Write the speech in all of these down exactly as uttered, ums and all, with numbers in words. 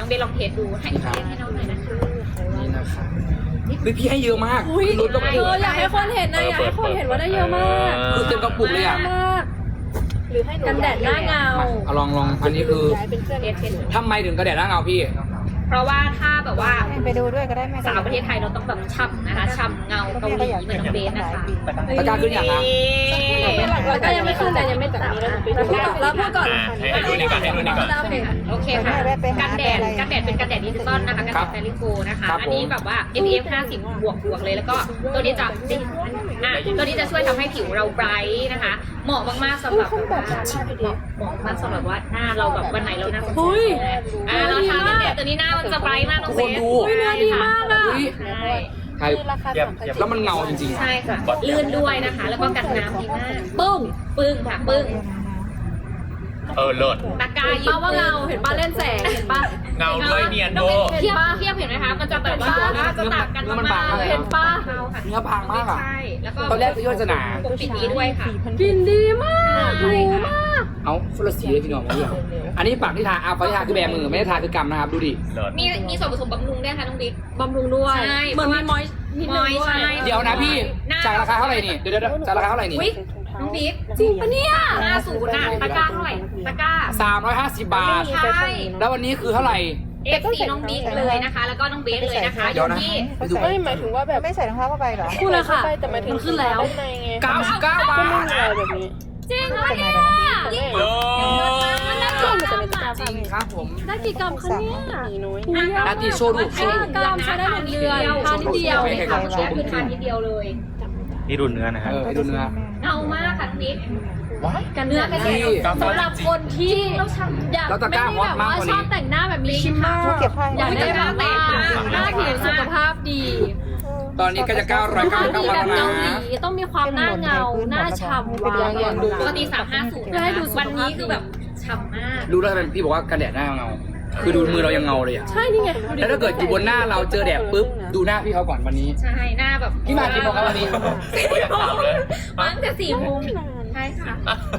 องเบลลองเทสดูให้ให้น้องหน่อยนะคะนี่นะคะพี่พี่ให้เยอะมากลุ้นกับเอออยากให้คนเห็นนะอยากให้คนเห็นว่าได้เยอะมากคือเต็มกระปุกเลยอ่ะมากหรือให้กันแดดหน้าเงาเอาลองลองอันนี้คือเทสเทสทำไมถึงกระแดดหน้าเงาพี่เพราะว่าถ้าแบบว่าไปดูด้วยก็ได้ไหมสาวประเทศไทยเราต้องแบบฉ่ำนะคะฉ่ำเงาเกาหลีเหมือนน้องเบสนะคะตะกร้าขึ้นอย่างนะแล้วก็ยังไม่ขึ้นแต่ยังไม่จับแล้วพูดก่อนให้ดูนี่ก่อนให้ดูนี่ก่อนโอเคค่ะกันแดดกันแดดเป็นกันแดดดิจิตอลนะคะกันแดดแฟริโกนะคะ อันนี้แบบว่า เอ พี เอฟ ห้าสิบบวกบวกเลยแล้วก็ตัวนี้จะอ่ะตัวนี้จะช่วยทำให้ผิวเราไบรท์นะคะเหมาะมากๆสำหรับแบบว่าเหมาะมากสำหรับว่าหน้าเราแบบวันไหนเราหน้าสดอ่ะเราทากันแดดตัวนี้หน้ามันจะไบรท์มากน้องเบสดูเนื้อดีมากอ่ะใช่ใช่แล้วมันเงาจริงๆใช่ค่ะลื่นด้วยนะคะ แล้วก็กันน้ำดีมากปึ้งปึ้งค่ะปึ้งเออเลิศตะกร้าเห็นยิ้ป้ามว่าเงาเห็นป้าเล่นแสงเห็นป้าเงาด้วยเนียนน้โบองเบสเทียบเทียบเห็นไหมคะมันจะแบบว่าจะต่างกันมากๆเห็นป้าเงาค่ะเนื้อบางมากอ่ะใช่แล้วก็ตอนแรกคือโยนสนาปกปิดนี้ด้วยค่ะกลิ่นดีมากหรูมากเอาฟุลสีเลยพี่น้องมาด้วยอันนี้ปากที่ทาอาปากที่ทาคือแบมือไม่ได้ทาคือกำนะครับดูดิเลิศมีมีส่วนผสมบำรุงด้วยค่ะน้องบิ๊กบำรุงด้วยใช่เหมือนมีมอยนิดนึงด้วยใช่เดี๋ยวนะพี่จากราคาเท่าไหร่นี่เดี๋ยวเดี๋ยวจากราคาเท่าไหร่นี่อุ๊ยน้องบิ๊กจริงปะเนี่ยห้าศูนย์น่ะตะกร้าเท่าไหร่ตะกร้าสามร้อยห้าสิบบาทใช่แล้ววันนี้คือเท่าไหร่เอฟซีน้องบิ๊กเลยนะคะ แล้วก็น้องเบสเลยนะคะอเดี๋ยวยู่นะที่ไปดูไม่หมายถึงว่าแบบไม่ใส่รองเท้าเข้าไปเหรอพูดเลยค่ะมันขึ้นแล้วเก้าสิบเก้าบาทจริงเหรอเนี่ยเลิศมันได้กี่กรัมอะจริงครับผมได้กี่กรัมคะเนี่ยนาทีโชว์รูปโชว์รูปกรัมใช้ได้หนึ่งเดือนทานนิดเดียวไม่ใช่ครับคือทานนิดเดียวเลยนี่ดูเนื้อนะฮะเออให้ดูเนื้อเงามากค่ะน้องบิ๊กกันเนื้อกันนี่สำหรับคนที่อยากแล้วตะไม่กร้าได้แบบฮอตมากว่ากว่าชนี้อบแต่งหน้าแบบมีชิมเมอร์เก็บผ้าอยากได้แบบว่าหน้าผิวสุขภาพดีตอนนี้ก็จะเก้าร้อยเก้าสิบดีเก้าแบบบาทเกาแล้วหลีนะต้องมีความหน้าเงาหน้าฉ่ำวาวปกติสามห้าศูนย์เพื่อให้ดูสุขวันภาพนี้คือแบบฉ่ำมากรู้แล้วทำไมพี่บอกว่ากันแดดหน้าเงา คือดูมือเรายังเงาเลยอ่ะใช่นี่ไงแล้วถ้าเกิดอยู่บนหน้าเราเจอแดดปุ๊บดูหน้าพี่เขาก่อนวันนี้ใช่หน้าแบบพี่มากี่โมงครับวันนี้ไม่อยากถามเลยมาตั้งแต่สี่โมงใช่ค่ะ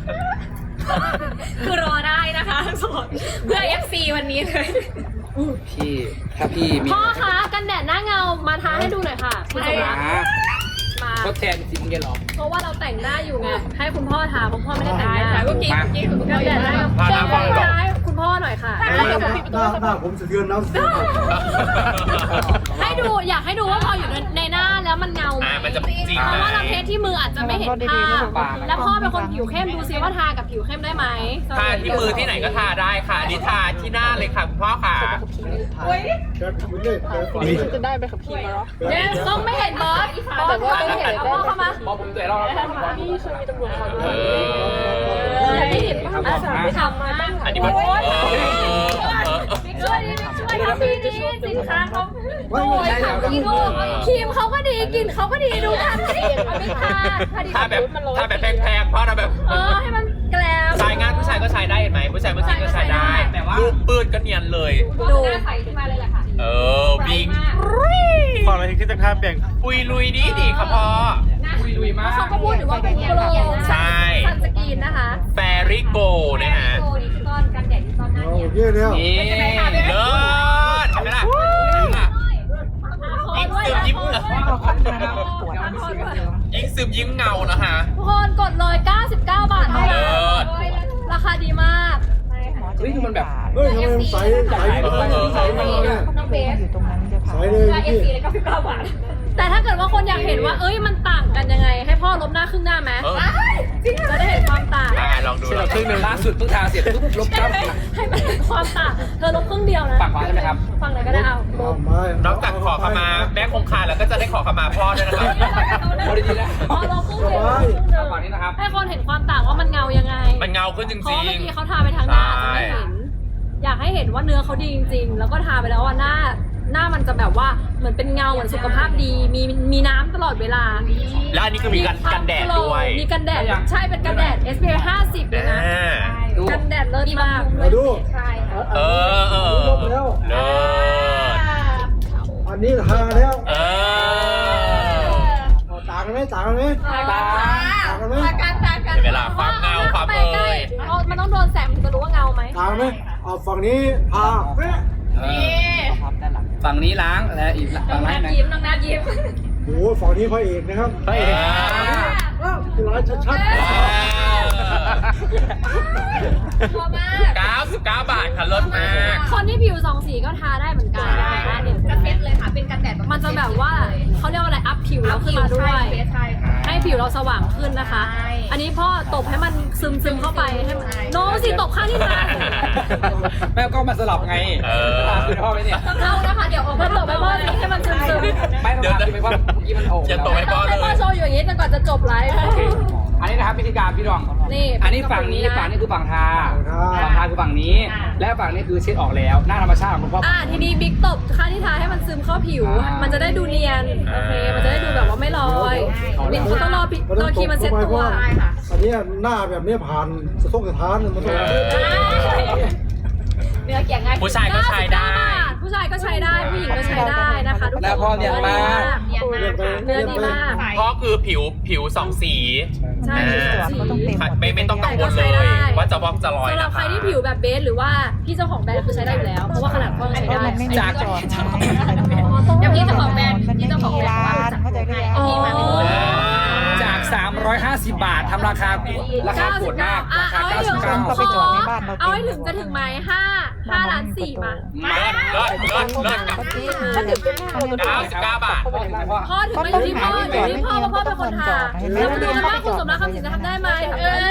คือรอได้นะคะสดเพื่อ เอฟ ซี วันนี้เลยพี่ถ้าพี่มีพ่อคะกันแดดหน้าเงามาทาให้ดูหน่อยค่ะคุณสมรักหามาทดแทนสิบโมงเย็นเหรอเพราะว่าเราแต่งหน้าอยู่ไงให้คุณพ่อทาเพราะพ่อไม่ได้แต่งหน้าแต่เมื่อกี้มาเมื่อกี้คุณกันแดดหน้าเงาพาเชิน้ำฟัญงก่อนท้ายคุณพ่อหน่อยค่ะหน้าหน้าผมสะเทือนน้ำเสียให้ดูอยากให้ดูว่าพออยู่ในหน้าแล้วมันเงาไหมอ่ามันจะจริงเพไหมราะว่าเราเทสที่มืออาจจะไม่เห็นภาพแล้วพ่อเป็นคนผิวเข้มดูซิว่าทากับผิวเข้มได้ไหมทาที่มือที่ไหนก็ทาได้ค่ะอันนี้ทาที่หน้าเลยค่ะคุณพ่อค่ะจะได้ไปขับขี่มาหรอเดี๋ยวต้องไม่เห็นบอสบอสไม่เห็นเอาพ่อเข้ามาบอกผมแต่เราแล้วนี่เคยมีตำรวจเขาดูเอออยากให้เห็นภาพไม่ทำมาตั้งอันนี้มันเออเออเออช่วยดิช่วยทำดีดีสินค้าเขาโอ้ยทำดีดูครีมเขาก็ดีกลิ่นเขาก็ดีดูทำสิเอาไปทาทาดีถ้าแบบถ้าแบบแพงๆเพราะเราแบบเออให้มันแกลมชายงานผู้ชายก็ใช้ได้เห็นไหมผู้ชายบางทีก็ใช้ได้รูปปืนก็เนียนเลยดูหน้าใสขึ้นมาเลยแหละค่ะเออบิงพอเราที่จะข้ามเปลี่ยนปุยลุยดีดีครับพ่อลุยลุยมากเขาก็พูดถึงว่าเป็นโกลใช่ซันสกรีนนะคะแฟริโกนะฮะโอ้ดิจิตอลกันแดดดิจิตอลหน้าโอเนี่ยเคแล้วนี่เลิศเห็นไหมล่ะยิ่งซึมยิ้มยิ่งซึมยิ้มเงานะฮะทุกคนกดเลยเก้าสิบเก้าบาทเท่านั้นเลิศราคาดีมากเฮ้ยคือมันแบบเฮ้ยทำไมมันใสใสใสมากเลยน้องเบสอยู่ตรงนั้นจะใสผ่านเลยเอฟพี่ซีเลยเก้าสิบเก้าบาทแต่ถ้าเกิดว่าคนอยากเห็นว่าเอ้ยมันต่างกันยังไง ให้พ่อลบหน้าครึ่งหน้าไหมเออจะได้เห็นความต่างอ่ะลองดูเสร็จลอแล้งวครึ่งหนึ่งล่าสุดเพิ่งทาเสร็จปุ๊บลบกล้ามให้มันเห็นความต่างเธอลบครึ่งเดียวนะฝั่งขวาใช่ไหมครับฝั่งไหนก็ได้เอาลบนอกจากขอขมาแม่คงคาแล้วก็จะได้ขอขมาพ่อด้วยนะครับพอดีนะพอลบครึ่งเดียวลบครึ่งเดียวฝั่งนี้นะครับให้คนเห็นความต่างว่ามันเงายังไงมันเงาขึ้นจเพราะริเมื่งอกี้เขาทาไปทางหน้าจะไม่เห็น อยากให้เห็นว่าเนื้อเขาดีจริง ๆ แล้วก็ทาไปแล้วว่าหน้าหน้ามันจะแบบว่าเหมือนเป็นเงาเหมือนสุขภาพดีมีมีน้ำตลอดเวลาๆ แล้วอันนี้ก็มีกันกันแดดด้วยมีกันแดดใช่เป็นกันแดด เอส พี เอฟ ห้าสิบเลยนะอ่าดูกันแดดเลิศมากมาดูใช่ค่ะเออเออลบแล้วเลิศอันนี้ทาแล้วเออต่างกันไหมต่างกันไหมตาต่างกันไหมกันตากันเห็นเวลาความเงาความเอ่ยมันต้องโดนแสงถึงจะรู้ว่าเงาไหมต่างไหมเอาฝั่งนี้ทาเป๊ะเออฝั่งนี้ล้างและอีกน้อฝั่งงนัล้างดไหนยิ้มน้องนัดยิ้มโอ้โหฝั่งนี้พระเอกนะครับพระเอกอ้าวร้ายชัดพอมากเก้าสิบเก้าบาทค่ะลดมากคนที่ผิวสองสีก็ทาได้เหมือนกันได้ได้กระเซ็ตเลยค่ะเป็นกันแดดมันจะแบบว่าเขาเรียกว่าอะไรอัพผิวเราขึ้นมาด้วยใช่ค่ะให้ผิวเราสว่างขึ้นนะคะใช่อันนี้พ่อตบให้มันซึมซึมๆเข้าไปให้มันโน้สิตบข้างที่ทางแม่ก็มาสลับไงเออคือพ่อไหมเนี่ยเข้านะคะเดี๋ยวออกมัมานตบไปพ่อสิให้มันซึมซึมไม่ต้องทำไปเพราะเมื่อกี้มันโอ่งอย่าตบแล้วให้พ่อเลยให้พ่อโชว์อยู่อย่างนี้จนกว่าจะจบไลฟ์โอเคอันนี้นะครับวิธีการพี่ดองนี่อันนี้ฝั่งนี้ฝั่งนี้คือฝั่งทาๆฝั่งทาคือฝั่งนี้ และฝั่งนี้คือเช็ดออกแล้วหน้าธรรมชาติของคุณพ่ออ่าทีนี้บิ๊กตบข้างที่ทาให้มันซึมเข้าผิวอ่ามัมันจะได้ดูเนียนโอเคมันจะได้ดูแบบว่าไม่ลอยบิ๊กเขาต้องรอพี่รอครีมมันเซ็ตตัวใช่ค่ะอันนี้หน้าแบบนี้ผ่านสะทกสะท้านมันต้องเนื้อเกี่ยงง่ายผู้ชายก็ใช้ได้ผู้ชายก็ใช้ได้ผู้หญิงก็ใช้ได้นะคะทุกคนแล้วพ่อเนียนมากเนียนมากค่ะเนื้อดีมากเพราะคือผิวผิวสองสีใช่เขาต้องเต็มหมดไม่ไม่ต้องกังวลเลย ว่าจะวอกจะลอยสำหรับนะใครคะที่ผิวแบบเบสหรือว่าพี่เจ้าของแบรนด์คือใช้ได้อยู่แล้วเพราะว่าขนาดพ่อยังใช้ได้มันไม่มีจากจอดเดี๋ยวพี่เจ้าของแบรนด์มันพี่ไม่เจ้าของมีแบรนด์ร้าว่านเข้าใจไหมพี่มาเป็นคนจาก สามร้อยห้าสิบบาททำราคาราคาโหดมากราคาเอาให้ถึงเก้าสิบเก้าก็ไปจอดในบ้านเราเอาให้ถึงจะถึงไหมห้าห้าล้านสี่มาเลิศเลิศเลิศเลิศเก้าสิบเก้าบาทพ่อถึงไม่อยู่ที่พ่ออยู่ที่พ่อเพราะพ่อเป็นคนทำแล้วมาดูกันว่าคุณสมรักคำสิงจะทำได้ไหมทำได้ไหม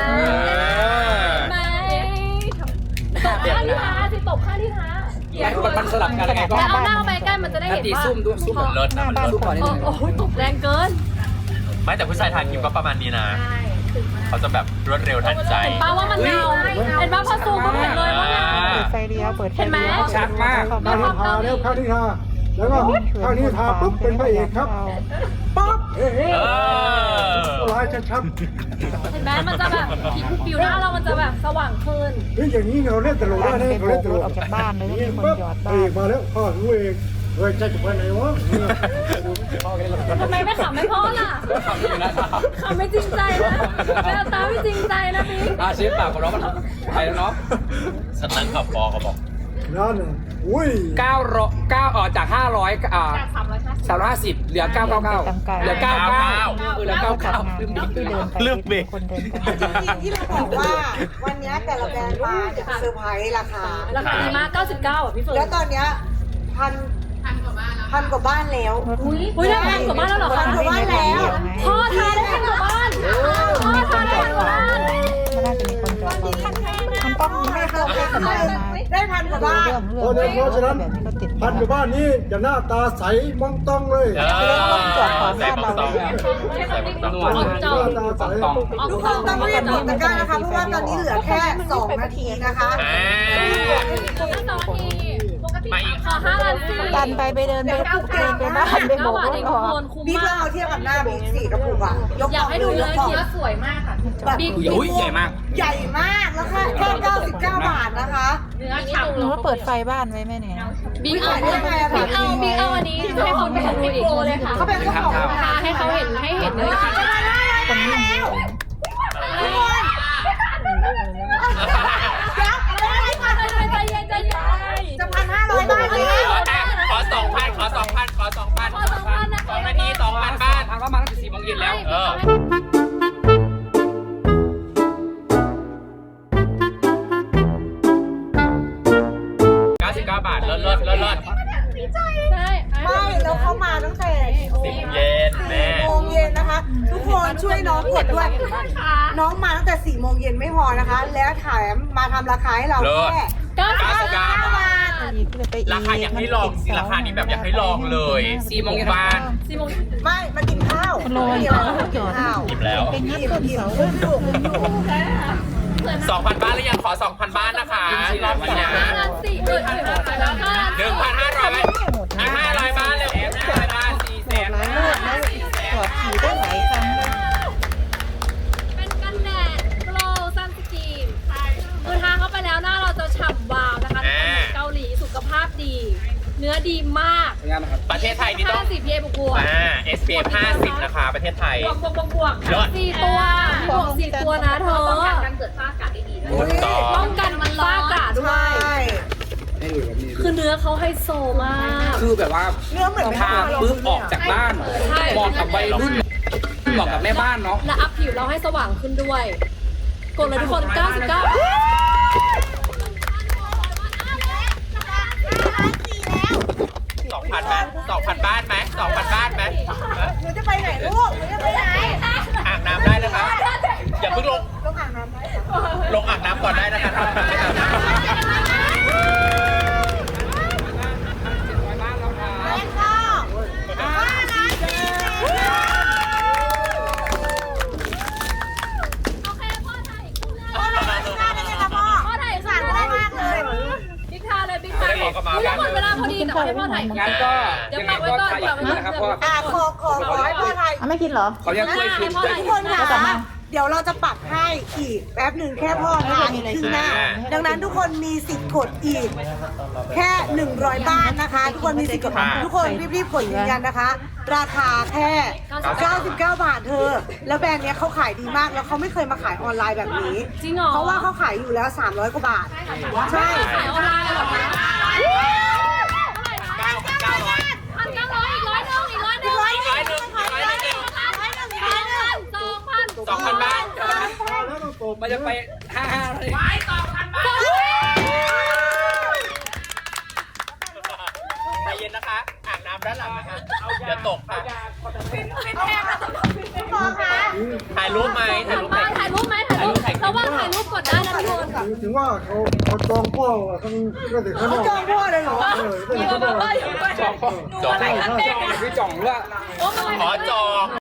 ไม่ตบข้างที่ท้าสิตบข้างที่ท้ามันสลับกันยังไงก็แล้วเอาหน้าไปใกล้มันจะได้นาเห็นตีว่าซุ่มด้วยซุ่มเลิศนะมันเลิศซุ่มก่อนนิดโอ้นึงโหตบแรงเกินไม่แต่ผู้ชายทานครีมก็ประมาณนี้นะ เขาจะแบบรวดเร็วทันใจเห็นป้าว่ามันเงาเห็นป้าพอซูมก็เห็นเลยว่าเงาเปิดไฟเลี้ยวเปิดไฟเลี้ยวชัดมากข้างนี้ทาแล้วข้างนี้ทาแล้วก็ข้างนี้ทาปุ๊บเป็นพระเอกครับปั๊บเฮ้เออลายชัดเห็นไหมมันจะแบบผิวหน้าเรามันจะแบบสว่างขึ้นๆเฮ้ยอย่างนี้เราเล่นตลกได้บ้านนะไปเราโบเล่กนตรลถกออกจากบ้านเลยนี่มีคนปั๊บหยอดพบ้าระเอกนมาแล้วพ่อรู้เองเฮ้ยจะไปไหนวะทำไมไม่ขำไม่พ่อล่ะขำไม่จริงใจนะแววตาไม่จริงใจนะพี่อาเชฟปากของน้องมันไปแล้วเนาะฉันนั่งขับปอเขาบอกนั่นน่ะอุ้ยเก้าร้อยเก้าออกจากห้าร้อยอ่าจากสามร้อยห้าสิบสามร้อยห้าสิบเหลือเก้าเก้าเก้าเหลือเก้าเก้าเออเหลือเก้าจัเก้าดงานลืมบิ๊กที่เดินไปเลือกเบรกคนเดินไปที่เราบอกว่าวันนี้แต่ละแบรนด์มาเนี่ยเซอร์ไพรส์ราคาราคาดีมากเก้าสิบเก้าอ่ะพี่เฟิร์นแล้วตอนเนี้ยพันพันกว่าบ้านแล้วอุ้ยได้พันกว่าบ้านแล้วเหรอพัคะนกว่าบ้านแล้วพ่อทานได้พันกว่าบ้านพ่อทานได้พันกว่าบ้านมันน่าจะมีคนจอดบ้านมันต้องไม่เข้าใกล้กันมาได้พันกว่าบ้านเรื่องเรื่องเพราะฉะนั้นแบบนี้ก็ติดพันอยู่บ้านนี้จะหน้าตาใสมองต้องเลยเออใส่ปองตองใส่ปองตองนวลหน้าตาใสต้องทุกคนต้องรีบกดตะกร้านะคะ เพราะว่าตอนนี้เหลือแค่สองนาทีนะคะอ่าปกติมาอีกขอห้าล้านสี่ดันไปไปเดินไปเดินไปบ้านไปโบเก้าก บาทรเอถงอทุกอกคนคุ้มบิ๊กมาเรากเอาเทียบกับหน้าบิ๊กสี่กระปุกอะยกอยากให้ดูเนื้อขเขียวสวยมากค่ะแบบอุ้ยใหญ่มากใหญ่มากแล้วค่ะแค่เก้าสิบเก้าบาทนะคะเนื้อฉ่ำหนูว่าเปิดไฟบ้านไว้ไหมเนี่ยบิ๊กเอาบิ๊กเอาบิ๊กเอาอันนี้ให้คนไปดูอีกเลยค่ะเขาเป็นเจ้าของทาให้เขาเห็นให้เห็นเนื้อคนนี้ใจเย็นใจเย็นจะพันห้าร้อยบาทเลยขอสองพันขอสองพันขอสองพันขอสองพันนะสองนาทีสองพันบ้านทางก็มาตั้งแต่สี่โมงเย็นแล้วเออ เก้าสิบเก้าบาทเลิศเลิศเลิศเลิศใช่ไม่แล้วเขามาตั้งแต่สิบเย็นแม่โมงเย็นนะคะ ทุกคนช่วยน้องกดด้วย น้องมาตั้งแต่สี่โมงเย็นไม่พอนะคะ แล้วแถมมาทำราคาให้เราแค่เก้าสิบเก้าสิบเก้าบาทอีกเลยไปอีกราคาอยากให้ลองสิราคานี้แบบอยากให้ลองเลยสี่โมงเย็นบ้านสี่โมงไม่มากินข้าวโรยไม่ก็มากิจนอดข้าวหยิบแล้วเป็นยัดต้นเสาสองพันบ้านหรือยังขอสองพันบ้านนะคะรอบนี้นะห้าล้านสี่เออห้าล้านหนึ่งพันห้าร้อยหมดอีกห้าร้อยบ้านเลยห้าร้อยบ้านสี่แสนหลายรอบแล้วจอดขี่ได้หลายครั้งเป็นกันแดดโกลซันสกรีนคือทาเข้าไปแล้วหน้าเราจะฉ่ำวาวนะคะเกาหลีสุขภาพดี เนื้อดีมากงานนะครับประเทศไทยนี่ต้องห้าสิบ พี เอ บวกบวกอ่า เอส พี เอฟ ห้าสิบนะคะประเทศไทยบวกบวกบวกบวกยอดสี่ตัวบวกสี่ตัวนะเธอป้องกันการเกิดฝ้ากระได้ดีด้วยถูกต้องป้องกันมันฟ้ากระด้วใช่ยให้ดูแบบนี้คือเนื้อเขาไฮโซมากคือแบบว่าเนื้อเหมือนทาปุ๊บออกจากบ้านใช่เหมาะกับวัยรุ่นเหมาะกับแม่บ้านเนาะและอัพผิวเราให้สว่างขึ้นด้วย กดเลยทุกคน เก้าสิบเก้าสองพันไหมสองพันบ้านไหมสองพันบ้านไหมหนูจะไปไหนลูกหนูจะไปไหนอ่างน้ำได้นะคะอย่าเพิ่งลงลงอ่างน้ำได้ลงอ่างน้ำก่อนได้นะคะทำไม่อาบน้ำโอเคพ่อถ่ายคู่เลยพ่อถ่ายคู่เลยพ่อถ่ายคู่เลยบิ๊กทาเลยบิ๊กทาเลยอุ๊ยหมดเวลาพอดีแต่ว่าให้พ่อถ่ายคู่งั้นก็เดี๋ยวยังปัไงกไว้ก็ก่อนถ่ายอีกนะครับเพราะว่าอ่ะขอขอขอให้พ่อไทยอ่ะไม่กินเหรอเขายังช่วยคืนช่วยทุกคืคน นค่ะเดี๋ยวเราจะปักให้อีกแป๊บหนึ่งแค่พ่อทานอีกครึ่งหน้า ดังนั้นทุกคนมีสิทธิ์กดอีก แค่หนึ่งร้อยบ้านนะคะ ทุกคนมีสิทธิ์กดทุกคนรีบๆกดยืนยันนะคะ ราคาแค่เก้าสิบเก้าบาทเธอ แล้วแบรนด์เนี้ยเขาขายดีมากแล้วเขาไม่เคยมาขายออนไลน์แบบนี้จริงเหรอเพราะว่าเขาขายอยู่แล้วสามร้อยกว่าบาท ใช่ขายออนไลน์เหรอคะเก้าเก้าร้อยพันเก้าร้อยอีกร้อยหนึ่งอีกร้อยหนึ่งร้อยหนึ่งร้อยหนึ่งสองพันสองพันบ้านมันจะไปห้าห้าเลยใจเย็นนะคะ อ่างน้ำด้านหลังนะคะเดี๋ยวตกค่ะพ่อคะถ่ายรูปไหมถ่ายรูปไหมถ่ายรูปไหมถ่ายรูประหว่างถ่ายรูปกดได้นะทุกคนถึงว่าเขาเขาจองพ่อทั้งก็ถึงข้างนเขาอกจองพ่อเลยเหรอเออก็ถึงข้างนอกจองจองจองพี่จ่องด้วยขอจอง